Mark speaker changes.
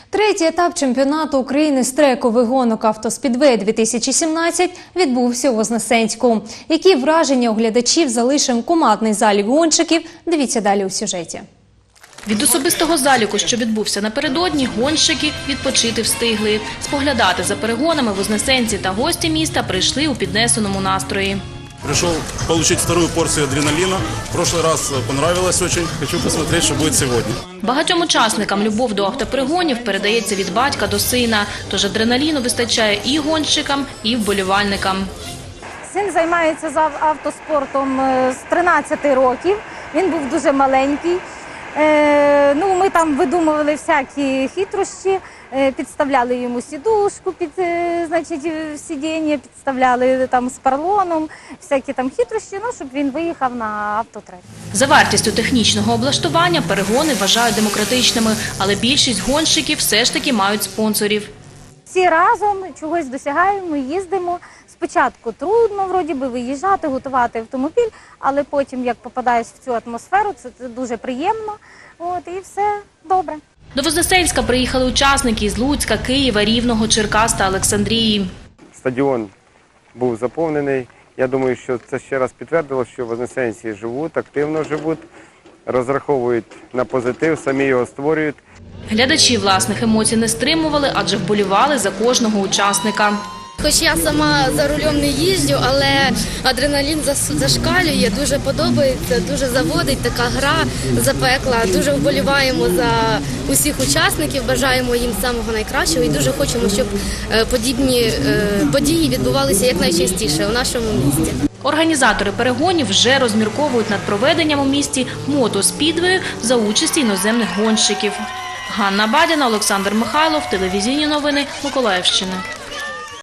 Speaker 1: Третій етап чемпіонату України з трекових гонок «Автоспідвей-2017» відбувся у Вознесенську. Які враження у глядачів залишив командний залік гонщиків, дивіться далі у сюжеті.
Speaker 2: Від особистого заліку, що відбувся напередодні, гонщики відпочити встигли. Споглядати за перегонами вознесенці та гості міста прийшли у піднесеному настрої.
Speaker 3: Пришел получить вторую порцию адреналина. В прошлый раз понравилось очень. Хочу посмотреть, что будет сегодня.
Speaker 2: Багатьом учасникам любов до автоперегонів передається від батька до сина. Тож адреналіну вистачає і гонщикам, і вболівальникам.
Speaker 4: Син займається автоспортом з 13 років. Він був дуже маленький. Ми там видумували всякі хитрощі, підставляли йому сідушку під сидіння, підставляли там з поролоном, всякі там хитрощі, щоб він виїхав на автотрек.
Speaker 2: За вартістю технічного облаштування перегони вважають демократичними, але більшість гонщиків все ж таки мають спонсорів.
Speaker 4: Всі разом чогось досягаємо, їздимо. Спочатку трудно, вроді би, виїжджати, готувати автомобіль, але потім, як попадаєш в цю атмосферу, це дуже приємно, і все добре.
Speaker 2: До Вознесенська приїхали учасники із Луцька, Києва, Рівного, Черкас та Олександрії.
Speaker 5: Стадіон був заповнений. Я думаю, що це ще раз підтвердило, що вознесенці живуть, активно живуть, розраховують на позитив, самі його створюють.
Speaker 2: Глядачі власних емоцій не стримували, адже вболівали за кожного учасника.
Speaker 6: Хоч я сама за рулем не їжджу, але адреналін зашкалює, дуже подобається, дуже заводить, така гра запекла. Дуже вболіваємо за усіх учасників, бажаємо їм самого найкращого і дуже хочемо, щоб подібні події відбувалися якнайчастіше у нашому місті.
Speaker 2: Організатори перегонів вже розмірковують над проведенням у місті мотоспідвею за участі іноземних гонщиків. Ганна Бадіна, Олександр Михайлов, телевізійні новини Миколаївщини.